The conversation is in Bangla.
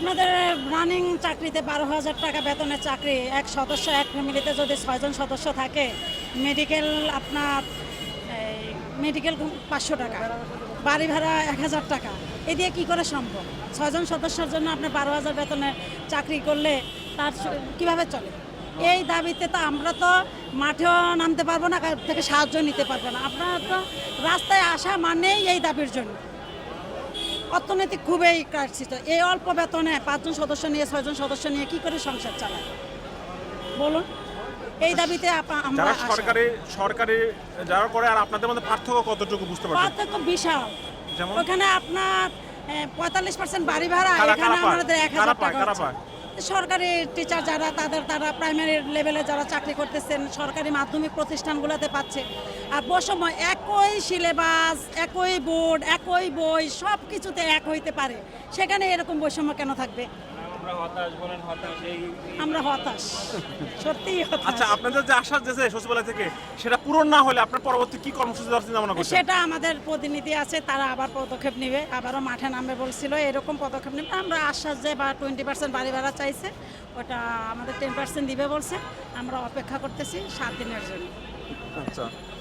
আপনাদের রানিং চাকরিতে 12,000 টাকা বেতনের চাকরি, এক সদস্য এক ফ্যামিলিতে যদি 6জন সদস্য থাকে, মেডিকেল আপনার মেডিকেল 500 টাকা, বাড়ি ভাড়া 1,000 টাকা, এ দিয়ে কী করে সম্ভব? 6জন সদস্যের জন্য আপনি 12,000 বেতনের চাকরি করলে তার কিভাবে চলে? এই দাবিতে তো আমরা তো মাঠেও নামতে পারবো না, কারোর থেকে সাহায্য নিতে পারবো না। আপনারা তো রাস্তায় আসা মানেই এই দাবির জন্য। অর্থনৈতিক খুবই ক্রাইসিস। এই অল্প বেতনে 5জন সদস্য নিয়ে 6জন সদস্য নিয়ে কি করে সংসার চালায় বলুন? এই দাবিতে আমরা যারা আসা। সরকারি যারা করে আর আপনাদের মধ্যে পার্থক্য কতটুকু বুঝতে পারছেন? পার্থক্য বিশাল। যেমন ওখানে আপনার 45% বাড়ি ভাড়া, কারা এখানে পায়? আমাদের 1,000 টাকা কারা হচ্ছে। পায়? সরকারি টিচার যারা তারা প্রাইমারি লেভেলে যারা চাকরি করতেছেন সরকারি মাধ্যমিক প্রতিষ্ঠানগুলোতে পাচ্ছে। আর বৈষম্য, একই সিলেবাস, একই বোর্ড, একই বই, সব কিছুতে এক হইতে পারে, সেখানে এরকম বৈষম্য কেন থাকবে? আমরা হতাশ, সত্যিই হতাশ। আচ্ছা, আপনাদের যে আশ্বাস দিয়েছে সচিবালয় থেকে সেটা পূরণ না হলে আপনার পরবর্তী কি কর্মসূচি দেওয়ার চিন্তা ভাবনা করছেন? সেটা আমাদের প্রতিনিধি আছে, তারা আবার পদক্ষেপ নেবে, আবারও মাঠে নামবে বলছিল, এরকম পদক্ষেপ নেবে। আমরা আশ্বাস যে বা 20% বাড়ি ভাড়া চাইছে, ওটা আমাদের 10% দিবে বলছে। আমরা অপেক্ষা করতেছি 7 দিনের জন্য। আচ্ছা।